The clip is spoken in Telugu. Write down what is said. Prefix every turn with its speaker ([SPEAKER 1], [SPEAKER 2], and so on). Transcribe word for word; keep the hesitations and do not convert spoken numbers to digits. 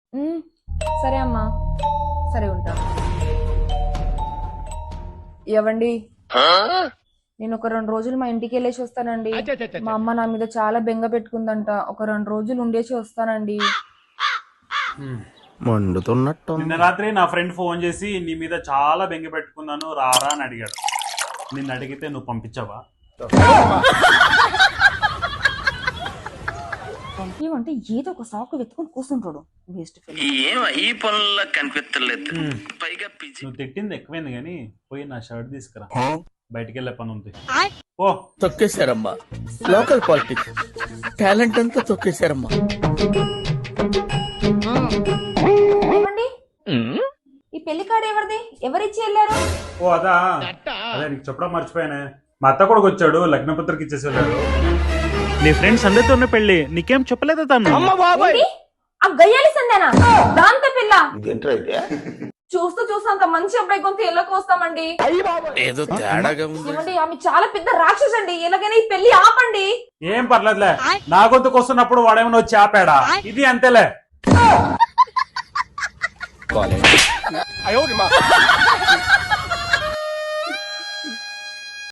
[SPEAKER 1] ఉమ్, సరే అమ్మా, సరే ఉంటా. ఇవ్వండి, నేను ఒక రెండు రోజులు మా ఇంటికి వెళ్ళేసి వస్తానండి. మా అమ్మ నా మీద చాలా బెంగ పెట్టుకుందంట. ఒక రెండు రోజులు ఉండేసి వస్తానండి.
[SPEAKER 2] మండుతున్నట్టు
[SPEAKER 3] నిన్న రాత్రి నా ఫ్రెండ్ ఫోన్ చేసి నీ మీద చాలా బెంగ పెట్టుకున్నాను రారా అని అడిగాడు. నిన్ను అడిగితే నువ్వు పంపించావా?
[SPEAKER 1] పంపించమంటే ఏదో ఒక సాకు వెతుకుని కూర్చుంటాడు. Waste fellow.
[SPEAKER 4] ఈ పనుల్లో కనిపించలేదు. పైగా పిచ్చి.
[SPEAKER 3] నువ్వు తిట్టింది ఎక్కువైంది కానీ పోయి నా షర్ట్ తీసుకురా, బయటికి వెళ్ళే పని ఉంది. ఓ
[SPEAKER 2] తొక్కేశారమ్మా. లోకల్ పాలిటిక్స్ టాలెంట్ అంతా తొక్కేశారమ్మా.
[SPEAKER 1] ఏమండి, ఈ పెళ్లి కార్డు ఎవరిది? ఎవరిచ్చి వెళ్ళారు?
[SPEAKER 3] ఓ అదా, అదే నీకు చెప్పడం మర్చిపోయానే. మా అత్త కొడుకు వచ్చాడు, లగ్నపత్రిక ఇచ్చేసి వెళ్ళాడు. నీ ఫ్రెండ్స్ అందరితోనే పెళ్లి, నీకేం చెప్పలేదా తను?
[SPEAKER 1] ఏంటి? ఆ గయ్యాలి సందేనా దాంతో పిల్ల? చూస్తూ చూస్తూ అంత మంచి అబ్బాయి కొంత ఎల్లకు వస్తామండి.
[SPEAKER 2] ఏదో తేడాగా ఉంది.
[SPEAKER 1] ఏమండి, ఆమె చాలా పెద్ద రాక్షసండి. ఎలాగైనా ఈ పెళ్లి ఆపండి.
[SPEAKER 3] ఏం పర్లేదులే, నా గొంతుకు వస్తున్నప్పుడు వాడేమన్నా వచ్చి ఆపాడా? ఇది అంతేలే.